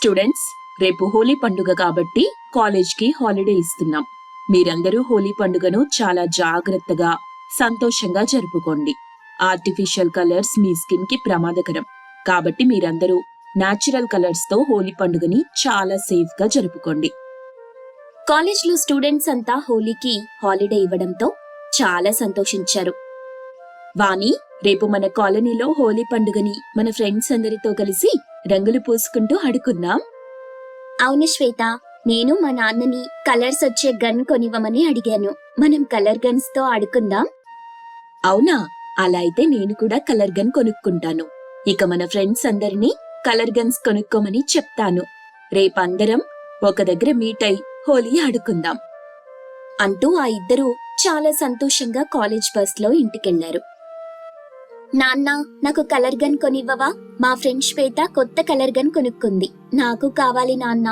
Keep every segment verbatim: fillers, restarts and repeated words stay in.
Students, రేపు హోలీ పండుగ కాబట్టి కాలేజ్కి హాలిడే ఇస్తున్నాం. మీరందరూ హోలీ పండుగను చాలా జాగ్రత్తగా, సంతోషంగా జరుపుకోండి. ఆర్టిఫిషియల్ కలర్స్ మీ స్కిన్ కి ప్రమాదకరం కాబట్టి మీరందరూ న్యాచురల్ కలర్స్ తో హోలీ పండుగని చాలా సేఫ్ గా జరుపుకోండి. కాలేజ్లో స్టూడెంట్స్ అంతా హోలీకి హాలిడే ఇవ్వడంతో చాలా సంతోషించారు. వాణి, రేపు మన కాలనీలో హోలీ పండుగని మన ఫ్రెండ్స్ అందరితో కలిసి రంగులు పూసుకుంటూ ఆడుకుందాం. అవును శ్వేత, నేను మా నాన్నని కలర్స్ వచ్చే గన్ కొనివ్వమని అడిగాను. మనం కలర్ గన్స్ తో ఆడుకుందాం. అవునా? అలా అయితే నేను కూడా కలర్ గన్ కొనుక్కుంటాను. ఇక మన ఫ్రెండ్స్ అందరినీ కలర్ గన్స్ కొనుక్కోమని చెప్తాను. రేపందరం ఒక దగ్గర మీట్ అయి హోలీ ఆడుకుందాం అంటూ ఆ ఇద్దరూ చాలా సంతోషంగా కాలేజ్ బస్ లో ఇంటికెళ్లారు. నాన్న, నాకు కలర్ గన్ కొనివ్వవా? మా ఫ్రెండ్ శ్వేత కొత్త కలర్ గన్ కొనుక్కుంది. నాకు కావాలి నాన్న.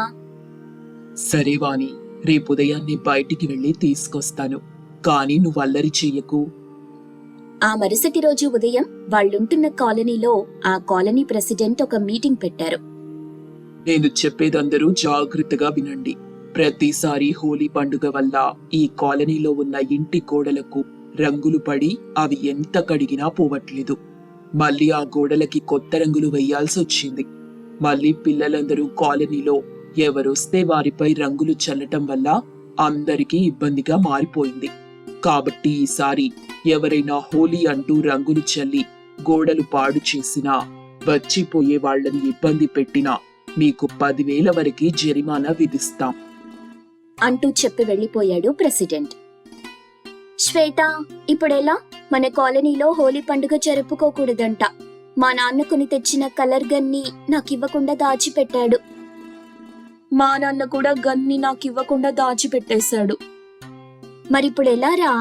సరే వాణి, రేపు ఉదయాన్నే బయటికి వెళ్లి తీసుకొస్తాను. కానీ నువ్వు అల్లరి చెయ్యకు. ఆ మరుసటి రోజు ఉదయం వాళ్ళుంటున్న కాలనీలో ఆ కాలనీ ప్రెసిడెంట్ ఒక మీటింగ్ పెట్టారు. నేను చెప్పేదందరూ జాగ్రత్తగా వినండి. ప్రతిసారి హోలీ పండుగ వల్ల ఈ కాలనీలో ఉన్న ఇంటి గోడలకు రంగులు పడి అవి ఎంత కడిగినా పోవట్లేదు. మళ్ళీ ఆ గోడలకి కొత్త రంగులు వేయాల్సి వచ్చింది. మళ్ళీ పిల్లలందరూ కాలనీలో ఎవరొస్తే వారిపై రంగులు చల్లటం వల్ల అందరికీ ఇబ్బందిగా మారిపోయింది. కాబట్టి ఈసారి ఎవరైనా హోలీ అంటూ రంగులు చల్లి గోడలు పాడు చేసినా, వచ్చిపోయే వాళ్లని ఇబ్బంది పెట్టినా మీకు పదివేల వరకు జరిమానా విధిస్తాం అంటూ చెప్పి వెళ్లిపోయాడు ప్రెసిడెంట్. శ్వేత, ఇప్పుడెలా? మన కాలనీలో హోలీ పండుగ జరుపుకోకూడదంట. మా నాన్న కొని తెచ్చిన కలర్ గన్ని నాకివ్వకుండా దాచిపెట్టాడు. మా నాన్న కూడా గన్ని నాకివ్వకుండా దాచిపెట్టేశాడు. మరిప్పుడెలా రా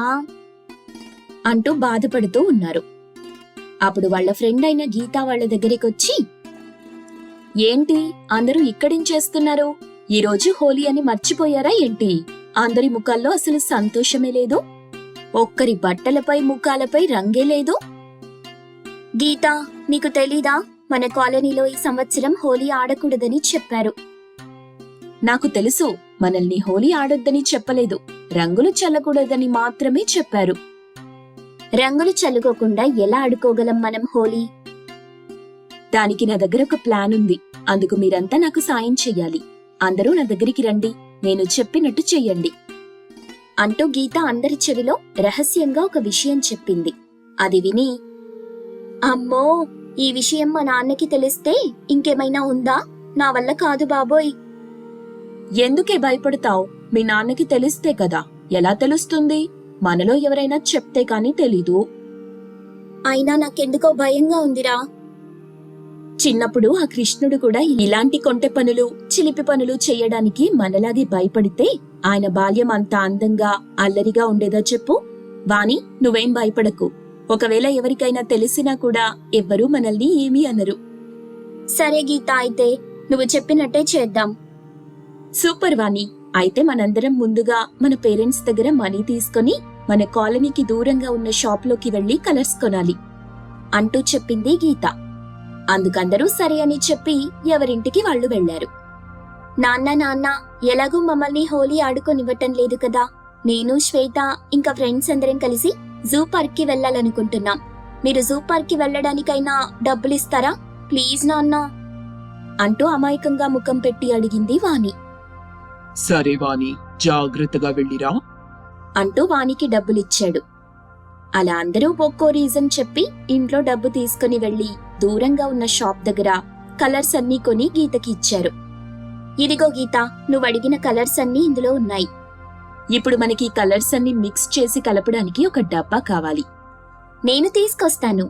అంటూ బాధపడుతూ ఉన్నారు. అప్పుడు వాళ్ల ఫ్రెండ్ అయిన గీత వాళ్ల దగ్గరికొచ్చి, ఏంటి అందరూ ఇక్కడేం చేస్తున్నారు? ఈరోజు హోలీ అని మర్చిపోయారా ఏంటి? అందరి ముఖాల్లో అసలు సంతోషమే లేదు. ఒక్కరి బట్టలపై ముఖాలపై రంగే లేదు. గీత, నీకు తెలీదా? మన కాలనీలో ఈ సంవత్సరం హోలీ ఆడకూడదని చెప్పారు. నాకు తెలుసు, మనల్ని హోలీ ఆడొద్దని చెప్పలేదు, రంగులు చల్లకూడదని మాత్రమే చెప్పారు. రంగులు చల్లుకోకుండా ఎలా ఆడుకోగలం మనం హోలీ? దానికి నా దగ్గర ఒక ప్లాన్ ఉంది. అందుకు మీరంతా నాకు సాయం చెయ్యాలి. అందరూ నా దగ్గరికి రండి, నేను చెప్పినట్టు చెయ్యండి అంటూ గీత అందరి చెవిలో రహస్యంగా ఒక విషయం చెప్పింది. అది విని, అమ్మో, ఈ విషయం మా నాన్నకి తెలిస్తే ఇంకేమైనా ఉందా? నా వల్ల కాదు బాబోయ్. ఎందుకే భయపడతావు? మీ నాన్నకి తెలిస్తే కదా. ఎలా తెలుస్తుంది? మనలో ఎవరైనా చెప్తే కాని తెలీదు. అయినా నాకెందుకో భయంగా ఉందిరా. చిన్నప్పుడు ఆ కృష్ణుడు కూడా ఇలాంటి కొంటె పనులు, చిలిపి పనులు చెయ్యడానికి మనలాగే భయపడితే ఆయన బాల్యం అంత అందంగా, అల్లరిగా ఉండేదా చెప్పు? వాణి, నువ్వేం భయపడకు. ఒకవేళ ఎవరికైనా తెలిసినా కూడా ఎవ్వరూ మనల్ని ఏమీ అనరు. సరే గీత, అయితే నువ్వు చెప్పినట్టే చేద్దాం. సూపర్ వాణి, అయితే మనందరం ముందుగా మన పేరెంట్స్ దగ్గర మనీ తీసుకుని మన కాలనీకి దూరంగా ఉన్న షాప్ లోకి వెళ్లి కలర్స్ కొనాలి అంటూ చెప్పింది గీత. అందుకందరూ సరే అని చెప్పి ఎవరింటికి వాళ్లు వెళ్లారు. నాన్న నాన్న, ఎలాగూ మమ్మల్ని హోలీ ఆడుకొనివ్వటం లేదు కదా. నేను, శ్వేత ఇంకా ఫ్రెండ్స్ అందరం కలిసి జూ పార్క్ కి వెళ్లాలనుకుంటున్నాం. మీరు జూ పార్క్ కి వెళ్లడానికైనా డబ్బులిస్తారా ప్లీజ్ నాన్న అంటూ అమాయకంగా ముఖం పెట్టి అడిగింది వాణి. సరే వాణి, జాగ్రత్తగా వెళ్ళిరా అంటూ వానికి డబ్బులిచ్చాడు. అలా అందరూ ఒక్కో రీజన్ చెప్పి ఇంట్లో డబ్బు తీసుకుని వెళ్లి దూరంగా ఉన్న షాప్ దగ్గర కలర్స్ అన్నీ కొని గీతకి ఇచ్చారు. ఇదిగో గీత, నువ్వు అడిగిన కలర్స్ అన్నీ ఇందులో ఉన్నాయి. ఇప్పుడు మనకి కలర్స్ అన్ని మిక్స్ చేసి కలపడానికి ఒక డబ్బా కావాలి. నేను తీసుకొస్తాను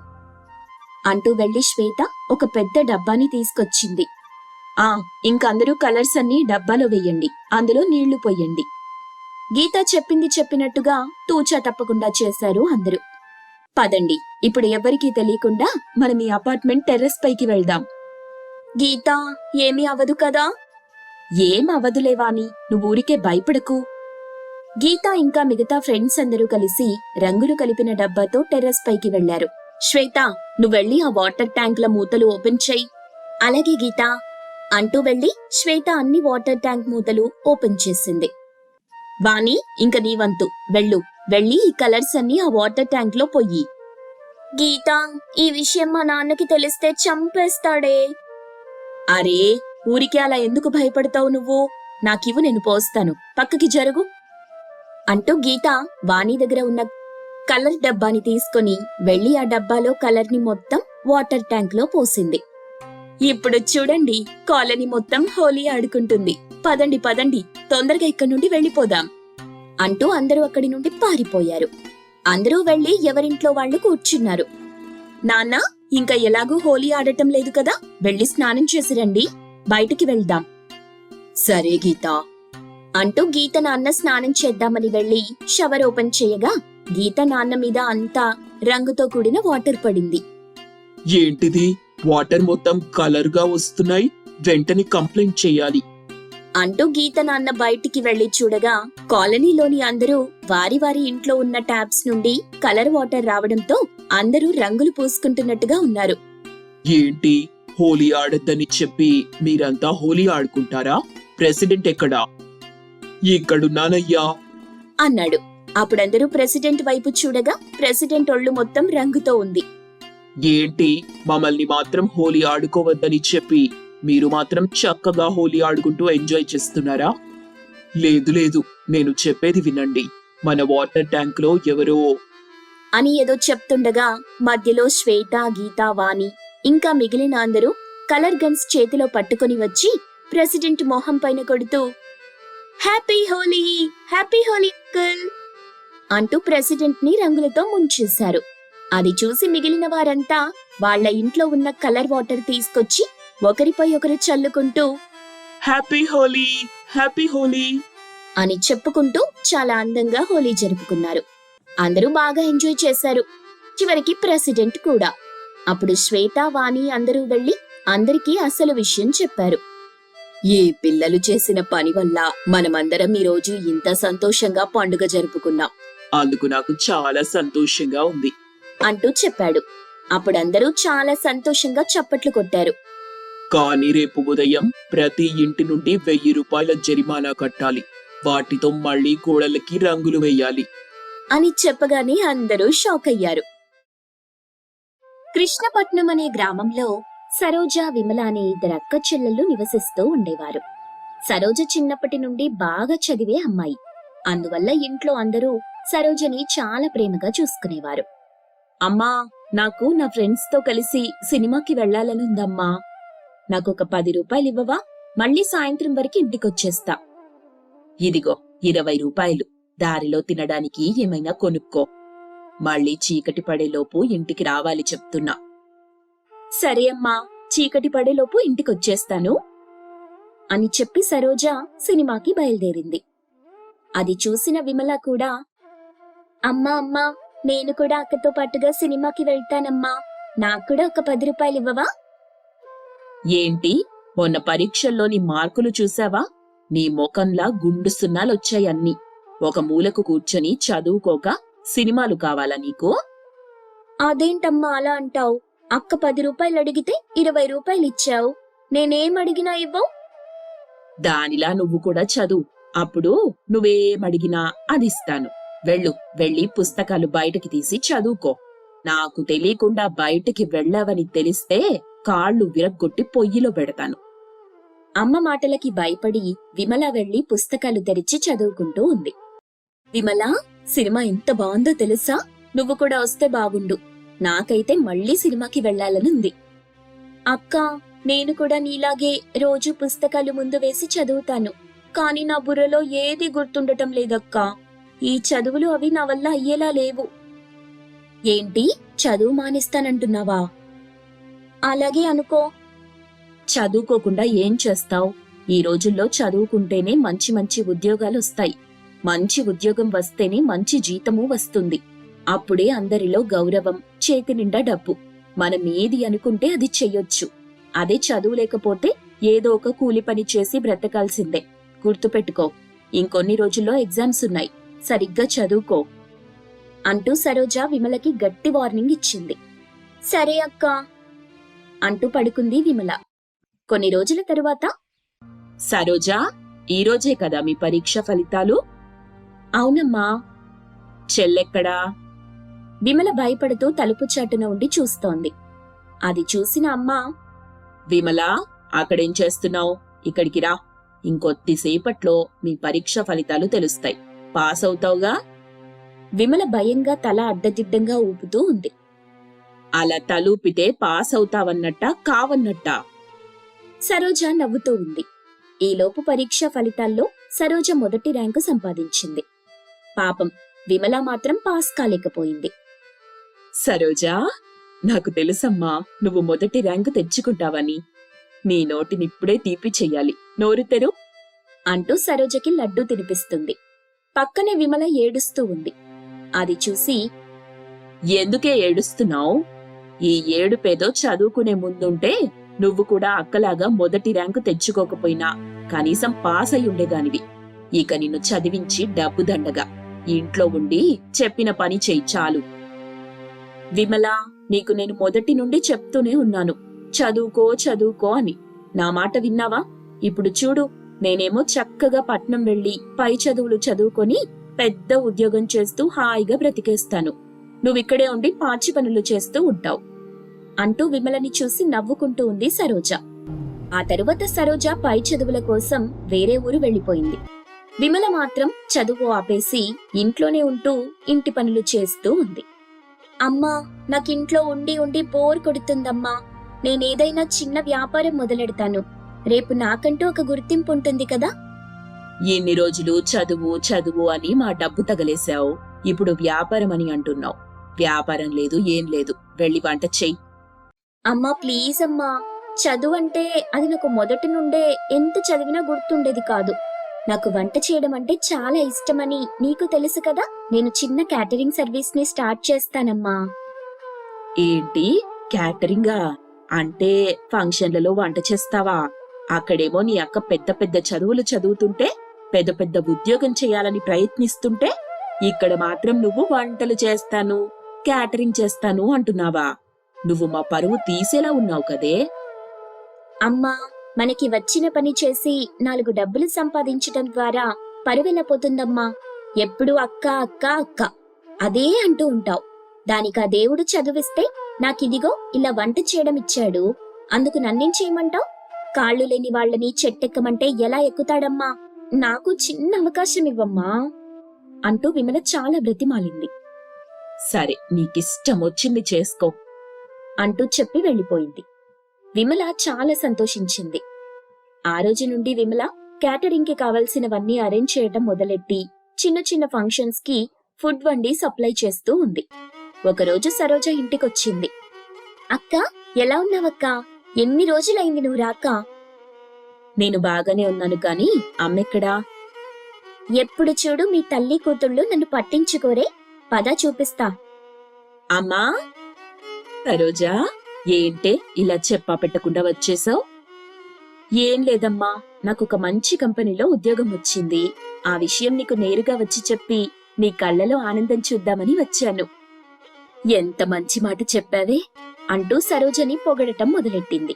అంటూ వెళ్లి శ్వేత ఒక పెద్ద డబ్బాని తీసుకొచ్చింది. ఆ ఇంకందరూ కలర్స్ అన్ని డబ్బాలో వెయ్యండి, అందులో నీళ్లు పొయ్యండి. గీత చెప్పింది చెప్పినట్టుగా తూచా తప్పకుండా చేశారు అందరూ. పదండి, ఇప్పుడు ఎవ్వరికీ తెలియకుండా మనం ఈ అపార్ట్మెంట్ టెర్రస్ పైకి వెళ్దాం. గీత, ఏమీ అవదు కదా? ఏం అవదులేవాని, నువ్వు ఊరికే భయపడకు. గీత ఇంకా మిగతా ఫ్రెండ్స్ అందరూ కలిసి రంగులు కలిపిన డబ్బాతో టెర్రస్ పైకి వెళ్లారు. శ్వేత, నువ్వెళ్ళి ఆ వాటర్ ట్యాంక్ల మూతలు ఓపెన్ చెయ్యి. అలాగే గీత. అంటూ వెళ్లి శ్వేత అన్ని వాటర్ ట్యాంక్ మూతలు ఓపెన్ చేసింది. వాణి, ఇంక నీ వంతు, వెళ్ళు, వెళ్ళి ఈ కలర్స్ అన్ని ఆ వాటర్ ట్యాంక్ లో పొయ్యి. గీత, ఈ విషయం మా నాన్నకి తెలిస్తే చంపేస్తాడే. అరే, ఊరికే అలా ఎందుకు భయపడతావు నువ్వు? నాకివ్వు, నేను పోస్తాను, పక్కకి జరుగు అంటూ గీత వాణి దగ్గర ఉన్న కలర్ డబ్బాని తీసుకుని వెళ్లి ఆ డబ్బాలో కలర్ ని మొత్తం వాటర్ ట్యాంక్ లో పోసింది. ఇప్పుడు చూడండి, కాలనీ మొత్తం హోలీ ఆడుకుంటుంది. పదండి పదండి, తొందరగా ఇక్కడి నుండి వెళ్ళిపోదాం అంటూ అందరూ అక్కడి నుండి పారిపోయారు. అందరూ వెళ్లి ఎవరింట్లో వాళ్ళు కూర్చున్నారు. నాన్న, ఇంకా ఎలాగూ హోలీ ఆడటం లేదు కదా, వెళ్లి స్నానం చేసి రండి, బయటికి వెళ్దాం. సరే గీత అంటూ గీత నాన్న స్నానం చేద్దామని వెళ్లి షవర్ ఓపెన్ చేయగా గీత నాన్న మీద అంతా రంగుతో కూడిన వాటర్ పడింది. ఏంటిది, వాటర్ మొత్తం కలర్ గా వస్తున్నాయి, వెంటనే కంప్లైంట్ చేయాలి అంటూ గీత నాన్న బయటికి వెళ్లి చూడగా కాలనీలోని అందరూ వారి వారి ఇంట్లో ఉన్న ట్యాప్స్ నుండి కలర్ వాటర్ రావడంతో అందరూ రంగులు పూసుకుంటున్నట్టుగా ఉన్నారు. ఏంటి, హోలీ ఆడద్దని చెప్పి మీరంతా హోలీ ఆడుకుంటారా? ప్రెసిడెంట్ ఎక్కడా? ఇక్కడున్నానయ్యా అన్నాడు. అప్పుడందరూ ప్రెసిడెంట్ వైపు చూడగా ప్రెసిడెంట్ ఒళ్ళు మొత్తం రంగుతో ఉంది. ఏంటి, మమ్మల్ని మాత్రం హోలీ ఆడుకోవద్దని చెప్పి మీరు మాత్రం చక్కగా హోలీ ఆడుకుంటూ ఎంజాయ్ చేస్తున్నారా? లేదు లేదు, నేను చెప్పేది వినండి. మన వాటర్ ట్యాంక్ లో ఎవరో అని ఏదో చెప్తుండగా మధ్యలో శ్వేత, గీత, వాణి ఇంకా మిగిలిన అందరూ కలర్ గన్స్ చేతిలో పట్టుకుని వచ్చి ప్రెసిడెంట్ మొహం పైన కొడుతూ happy Holi, happy Holi uncle అంటూ ప్రెసిడెంట్ ని రంగులతో ముంచేశారు. అది చూసి మిగిలిన వారంతా వాళ్ల ఇంట్లో ఉన్న కలర్ వాటర్ తీసుకొచ్చి ఒకరిపై ఒకరు చల్లుకుంటూ హ్యాపీ హోలీ, హ్యాపీ హోలీ అని చెప్పుకుంటూ చాలా అందంగా హోలీ జరుపుకున్నారు. అందరూ బాగా ఎంజాయ్ చేశారు, చివరికి ప్రెసిడెంట్ కూడా. అప్పుడు శ్వేత, వాణి అందరూ వెళ్లి అందరికీ అసలు విషయం చెప్పారు. ఈ పిల్లలు చేసిన పని వల్ల మనమందరం ఈ రోజు ఇంత సంతోషంగా పండుగ జరుపుకున్నాం. అందుకు నాకు చాలా సంతోషంగా ఉంది అంటూ చెప్పాడు. అప్పుడందరూ చాలా సంతోషంగా చప్పట్లు కొట్టారు. కానీ రేపు ఉదయం ప్రతి ఇంటి నుండి వెయ్యి రూపాయల జరిమానా కట్టాలి. వాటితో మళ్ళీ గోడలకి రంగులు వేయాలి అని చెప్పగానే అందరూ షాక్ అయ్యారు. కృష్ణపట్నం అనే గ్రామంలో సరోజ, విమల అనే ఇద్దరు అక్క చెల్లెళ్ళు నివసిస్తూ ఉండేవారు. సరోజ చిన్నప్పటి నుండి బాగా చదివే అమ్మాయి. అందువల్ల ఇంట్లో అందరూ సరోజని చాలా ప్రేమగా చూసుకునేవారు. అమ్మా, నాకు నా ఫ్రెండ్స్ తో కలిసి సినిమాకి వెళ్లాలనుందమ్మా. నాకొక పది రూపాయలు ఇవ్వవా? మళ్ళీ సాయంత్రం వరకు ఇంటికొచ్చేస్తా. ఇదిగో ఇరవై రూపాయలు, దారిలో తినడానికి ఏమైనా కొనుక్కో. మళ్ళీ చీకటి పడేలోపు ఇంటికి రావాలి చెప్తున్నా. సరే అమ్మా, చీకటి పడేలోపు ఇంటికొచ్చేస్తాను అని చెప్పి సరోజ సినిమాకి బయలుదేరింది. అది చూసిన విమల కూడా, అమ్మా అమ్మా, నేను కూడా అక్కతో పాటుగా సినిమాకి వెళ్తానమ్మా. నాకు కూడా ఒక పది రూపాయలు ఇవ్వవా? ఏంటి, మొన్న పరీక్షల్లోని మార్కులు చూసావా? నీ ముఖంలా గుండు సున్నాలొచ్చాయన్నీ. ఒక మూలకు కూర్చొని చదువుకోక సినిమాలు కావాలా నీకు? అదేంటమ్మా అలా అంటావు? అక్క పది రూపాయలు అడిగితే ఇరవై రూపాయలు ఇచ్చావు. నేనేం అడిగినా ఇవ్వవు. దానిలా నువ్వు కూడా చదువు, అప్పుడు నువ్వేమడిగినా అది ఇస్తాను. వెళ్ళు, వెళ్ళి పుస్తకాలు బయటకి తీసి చదువుకో. నాకు తెలియకుండా బయటికి వెళ్ళావని తెలిస్తే కాళ్ళు విరగ్గొట్టి పొయ్యిలో పెడతాను. అమ్మ మాటలకి భయపడి విమల వెళ్లి పుస్తకాలు తెరిచి చదువుకుంటూ ఉంది. విమల, సినిమా ఎంత బాగుందో తెలుసా? నువ్వు కూడా వస్తే బాగుండు. నాకైతే మళ్ళీ సినిమాకి వెళ్లాలనుంది. అక్క, నేను కూడా నీలాగే రోజు పుస్తకాలు ముందు వేసి చదువుతాను. కాని నా బుర్రలో ఏది గుర్తుండటం లేదక్కా. ఈ చదువులు అవి నా వల్ల అయ్యేలా లేవు. ఏంటి, చదువు మానేస్తానంటున్నావా? అలాగే అనుకో. చదువుకోకుండా ఏం చేస్తావు? ఈ రోజుల్లో చదువుకుంటేనే మంచి మంచి ఉద్యోగాలు వస్తాయి. మంచి ఉద్యోగం వస్తేనే మంచి జీతము వస్తుంది. అప్పుడే అందరిలో గౌరవం, చేతి నిండా డబ్బు. మనం ఏది అనుకుంటే అది చెయ్యొచ్చు. అదే చదువు లేకపోతే ఏదో ఒక కూలి పని చేసి బ్రతకాల్సిందే. గుర్తుపెట్టుకో, ఇంకొన్ని రోజుల్లో ఎగ్జామ్స్ ఉన్నాయి. సరిగ్గా చదువుకో అంటూ సరోజ విమలకి గట్టి వార్నింగ్ ఇచ్చింది. సరే అక్క అంటూ పడుకుంది విమల. కొన్ని రోజుల తరువాత సరోజా, ఈరోజే కదా మీ పరీక్ష ఫలితాలు? అవునమ్మా. చెల్లెక్కడా? విమల భయపడుతూ తలుపు చాటున ఉండి చూస్తోంది. అది చూసిన అమ్మ, విమలా, అక్కడేం చేస్తున్నావు? ఇక్కడికి రా. ఇంకొద్దిసేపట్లో మీ పరీక్ష ఫలితాలు తెలుస్తాయి. పాస్ అవుతావుగా? విమల భయంగా తల అడ్డదిడ్డంగా ఊపుతూ ఉంది. అలా తలూపితే పాస్ అవుతావన్నట్టా కావన్నట్టా? సరోజ నవ్వుతూ ఉంది. ఈలోపు పరీక్ష ఫలితాల్లో సరోజ మొదటి ర్యాంకు సంపాదించింది. పాపం విమల మాత్రం పాస్ కాలేకపోయింది. సరోజా, నాకు తెలుసమ్మా నువ్వు మొదటి ర్యాంకు తెచ్చుకుంటావని. నీ నోటినిప్పుడే తీపి చెయ్యాలి. నోరు తెరు అంటూ సరోజకి లడ్డూ తినిపిస్తుంది. పక్కనే విమల ఏడుస్తూ ఉంది. అది చూసి, ఎందుకే ఏడుస్తున్నావు? ఈ ఏడుపేదో చదువుకునే ముందుంటే నువ్వు కూడా అక్కలాగా మొదటి ర్యాంకు తెచ్చుకోకపోయినా కనీసం పాస్ అయి ఉండేదానివి. ఇక నిన్ను చదివించి డబ్బు దండగా ఇంట్లో ఉండి చెప్పిన పని చెయ్యి చాలు. విమలా, నీకు నేను మొదటి నుండి చెప్తూనే ఉన్నాను, చదువుకో చదువుకో అని. నా మాట విన్నావా? ఇప్పుడు చూడు, నేనేమో చక్కగా పట్నం వెళ్లి పై చదువులు చదువుకొని పెద్ద ఉద్యోగం చేస్తూ హాయిగా బ్రతికేస్తాను. నువ్విక్కడే ఉండి పాచి పనులు చేస్తూ ఉంటావు అంటూ విమలని చూసి నవ్వుకుంటూ ఉంది సరోజ. ఆ తరువాత సరోజ పై చదువుల కోసం వేరే ఊరు వెళ్లిపోయింది. విమల మాత్రం చదువు ఆపేసి ఇంట్లోనే ఉంటూ ఇంటి పనులు చేస్తూ ఉంది. అమ్మా, నాకింట్లో ఉండి ఉండి బోర్ కొడుతుందమ్మా. నేనేదైనా చిన్న వ్యాపారం మొదలెడతాను. రేపు నాకంటూ ఒక గుర్తింపు ఉంటుంది కదా. ఎన్ని రోజులు చదువు చదువు అని మా డబ్బు తగలేశావు. ఇప్పుడు వ్యాపారం అని అంటున్నావు. వ్యాపారం లేదు, ఏం లేదు. వెళ్ళి వంట చెయ్యి. అమ్మా ప్లీజ్ అమ్మా, చదువు అంటే అది నాకు మొదటి నుండే ఎంత చదివినా గుర్తుండేది కాదు. నాకు వంట చేయడం అంటే చాలా ఇష్టమని నీకు తెలుసు కదా. నేను చిన్న క్యాటరింగ్ సర్వీస్ ని స్టార్ట్ చేస్తానమ్మా. ఏంటి, క్యాటరింగా? అంటే ఫంక్షన్లలో వంట చేస్తావా? అక్కడేమో నీ అక్క పెద్ద పెద్ద చదువులు చదువుతుంటే పెద్ద పెద్ద ఉద్యోగం చేయాలని ప్రయత్నిస్తుంటే ఇక్కడ మాత్రం నువ్వు వంటలు చేస్తాను, క్యాటరింగ్ చేస్తాను అంటున్నావా? నువ్వు మా పరువు తీసేలా ఉన్నావు కదే. అమ్మా, మనకి వచ్చిన పని చేసి నాలుగు డబ్బులు సంపాదించడం ద్వారా పరువెలా పోతుందమ్మా? ఎప్పుడు అక్క అక్క అక్క అదే అంటూ ఉంటావు. దానికి ఆ దేవుడు చదువిస్తే నాకిదిగో ఇలా వంట చేయడం ఇచ్చాడు. అందుకు నన్నేం చేయమంటావు? కాళ్ళు లేని వాళ్ళని చెట్టెక్కమంటే ఎలా ఎక్కుతాడమ్మా? నాకు చిన్న అవకాశం ఇవ్వమ్మా అంటూ విమల చాలా బ్రతిమాలింది. సరే, నీకిష్టం వచ్చింది చేసుకో అంటూ చెప్పి వెళ్లిపోయింది. విమల చాలా సంతోషించింది. ఆ రోజు నుండి విమల క్యాటరింగ్ కి కావలసినవన్నీ అరేంజ్ చేయటం మొదలెట్టి చిన్న చిన్న ఫంక్షన్స్ కి ఫుడ్ వండి సప్లై చేస్తూ ఉంది. ఒకరోజు సరోజ ఇంటికొచ్చింది. అక్క, ఎలా ఉన్నావక్క? ఎన్ని రోజులైంది నువ్వు రాక? నేను బాగానే ఉన్నాను కాని అమ్మెక్కడా? ఎప్పుడు చూడు మీ తల్లి కూతుళ్ళు నన్ను పట్టించుకోరే. పద చూపిస్తా. అమ్మా, సరోజా, ఏంటే ఇలా చెప్పా పెట్టకుండా వచ్చేసావు? ఏం లేదమ్మా, నాకొక మంచి కంపెనీలో ఉద్యోగం వచ్చింది. ఆ విషయం నీకు నేరుగా వచ్చి చెప్పి నీ కళ్ళలో ఆనందం చూద్దామని వచ్చాను. ఎంత మంచి మాట చెప్పావే అంటూ సరోజని పొగడటం మొదలెట్టింది.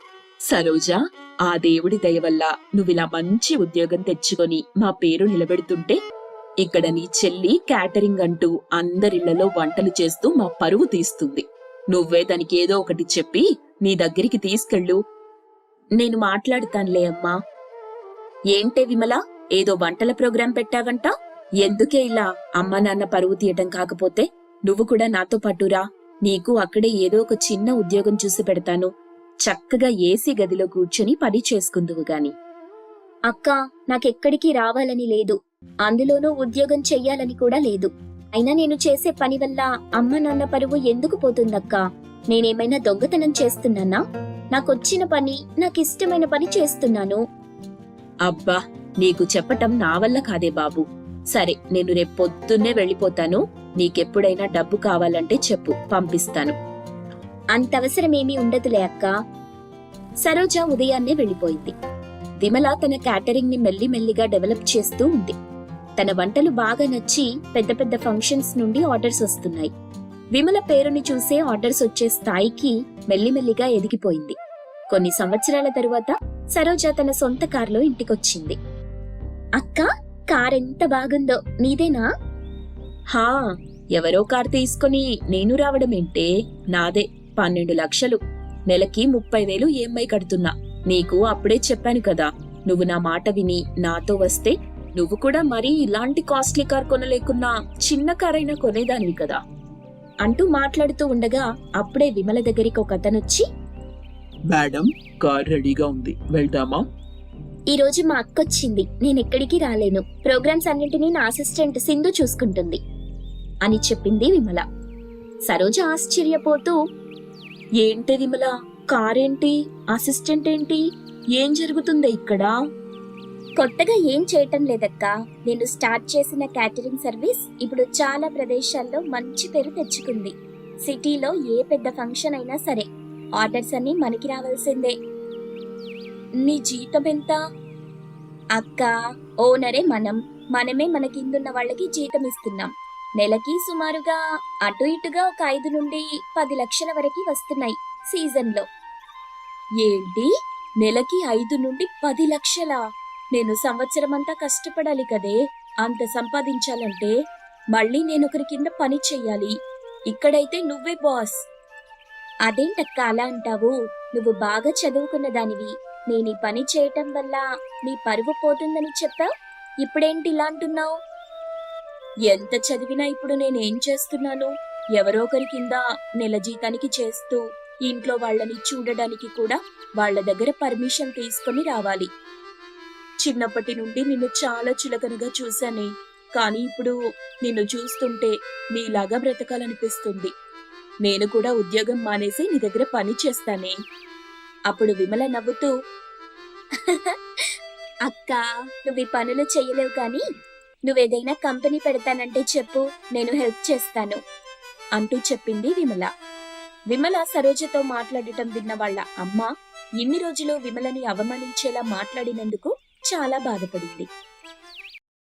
సరోజా, ఆ దేవుడి దయ వల్ల నువ్విలా మంచి ఉద్యోగం తెచ్చుకొని మా పేరు నిలబెడుతుంటే ఇక్కడ నీ చెల్లి క్యాటరింగ్ అంటూ అందరిళ్లలో వంటలు చేస్తూ మా పరువు తీస్తుంది. నువ్వే దానికి ఏదో ఒకటి చెప్పి నీ దగ్గరికి తీసుకెళ్ళు. నేను మాట్లాడుతానులే అమ్మా. ఏంటే విమల, ఏదో వంటల ప్రోగ్రాం పెట్టావంట? ఎందుకే ఇలా అమ్మ నాన్న పరువు తీయటం? కాకపోతే నువ్వు కూడా నాతో పట్టురా. నీకు అక్కడే ఏదో ఒక చిన్న ఉద్యోగం చూసి పెడతాను. చక్కగా ఏసీ గదిలో కూర్చొని పని చేసుకుందువు గాని. అక్క, నాకెక్కడికి రావాలని లేదు. అందులోనూ ఉద్యోగం చెయ్యాలని కూడా లేదు. అయినా నేను చేసే పని వల్ల అమ్మ నాన్న పరువు ఎందుకు పోతుందక్క? నేనేమైనా దొంగతనం చేస్తున్నానా? నాకొచ్చిన పని, నాకిష్టమైన పని చేస్తున్నాను. అబ్బా, నీకు చెప్పటం నా వల్ల కాదే బాబు. సరే, నేను రేపు పొద్దున్నే వెళ్ళిపోతాను. నీకెప్పుడైనా డబ్బు కావాలంటే చెప్పు, పంపిస్తాను. అంతవసరమేమీ ఉండదులే అక్క. సరోజ ఉదయాన్నే వెళ్లిపోయింది. విమల తన క్యాటరింగ్ ని మెల్లిమెల్లిగా డెవలప్ చేస్తూ ఉంది. తన వంటలు బాగా నచ్చి పెద్ద పెద్ద ఫంక్షన్స్ నుండి ఆర్డర్స్ వస్తున్నాయి. విమల పేరుని చూసే ఆర్డర్స్ వచ్చే స్థాయికి మెల్లిమెల్లిగా ఎదిగిపోయింది. కొన్ని సంవత్సరాల తరువాత సరోజ తన సొంత కారులో ఇంటికొచ్చింది. అక్క, కార్ ఎంత బాగుందో, నీదేనా? హా, ఎవరో కార్ తీసుకొని నేను రావడమేంటే? నాదే. పన్నెండు లక్షలు. నెలకి ముప్పై వేలు ఈఎంఐ కడుతున్నా. నీకు అప్పుడే చెప్పాను కదా, నువ్వు నా మాట విని నాతో వస్తే నువ్వు కూడా మరీ ఇలాంటి కాస్ట్లీ కార్ కొనలేకున్నా చిన్న కార్ అయినా కొనేదానివి కదా అంటూ మాట్లాడుతూ ఉండగా అప్పుడే విమల దగ్గరికి ఒక అతనొచ్చి, మేడం, కార్ రెడీగా ఉంది, వెళ్దామా? ఈ రోజు మా అక్కొచ్చింది, నేనెక్కడికి రాలేను. ప్రోగ్రామ్స్ అన్నింటినీ నా అసిస్టెంట్ సింధు చూసుకుంటుంది అని చెప్పింది విమల. సరోజ ఆశ్చర్యపోతూ, ఏంటి విమల, కారేంటి, అసిస్టెంట్ ఏంటి, ఏం జరుగుతుందో ఇక్కడ? కొత్తగా ఏం చేయటం లేదక్కా. నేను స్టార్ట్ చేసిన క్యాటరింగ్ సర్వీస్ ఇప్పుడు చాలా ప్రదేశాల్లో మంచి పేరు తెచ్చుకుంది. సిటీలో ఏ పెద్ద ఫంక్షన్ అయినా సరే ఆర్డర్స్ అన్ని మనకి రావాల్సిందే. నీ జీతం ఎంత? అక్క, ఓనరే మనం, మనమే మన కిందున్న వాళ్ళకి జీతం ఇస్తున్నాం. నెలకి సుమారుగా అటు ఇటుగా ఒక ఐదు నుండి పది లక్షల వరకు వస్తున్నాయి సీజన్లో. ఏంటి, నెలకి ఐదు నుండి పది లక్షలా? నేను సంవత్సరం అంతా కష్టపడాలి కదే అంత సంపాదించాలంటే. మళ్ళీ నేనొకరి కింద పని చెయ్యాలి. ఇక్కడైతే నువ్వే బాస్. అదేంటక్క అలా అంటావు? నువ్వు బాగా చదువుకున్న దానివి. నేను ఈ పని చేయటం వల్ల నీ పరువు పోతుందని చెప్పావు, ఇప్పుడేంటి ఇలా అంటున్నావు? ఎంత చదివినా ఇప్పుడు నేనేం చేస్తున్నాను? ఎవరో ఒకరి కింద నెల జీతానికి చేస్తూ ఇంట్లో వాళ్ళని చూడడానికి కూడా వాళ్ళ దగ్గర పర్మిషన్ తీసుకొని రావాలి. చిన్నప్పటి నుండి నిన్ను చాలా చులకనగా చూశానే, కానీ ఇప్పుడు నిన్ను చూస్తుంటే నీలాగా బ్రతకాలనిపిస్తుంది. నేను కూడా ఉద్యోగం మానేసి నీ దగ్గర పని చేస్తానే. అప్పుడు విమల నవ్వుతూ, అక్క, నువ్వు ఈ పనులు చెయ్యలేవు, కానీ నువ్వేదైనా కంపెనీ పెడతానంటే చెప్పు, నేను హెల్ప్ చేస్తాను అంటూ చెప్పింది విమల. విమల సరోజతో మాట్లాడటం విన్న వాళ్ళ అమ్మ ఇన్ని రోజులు విమలని అవమానించేలా మాట్లాడినందుకు చాలా బాధపడింది.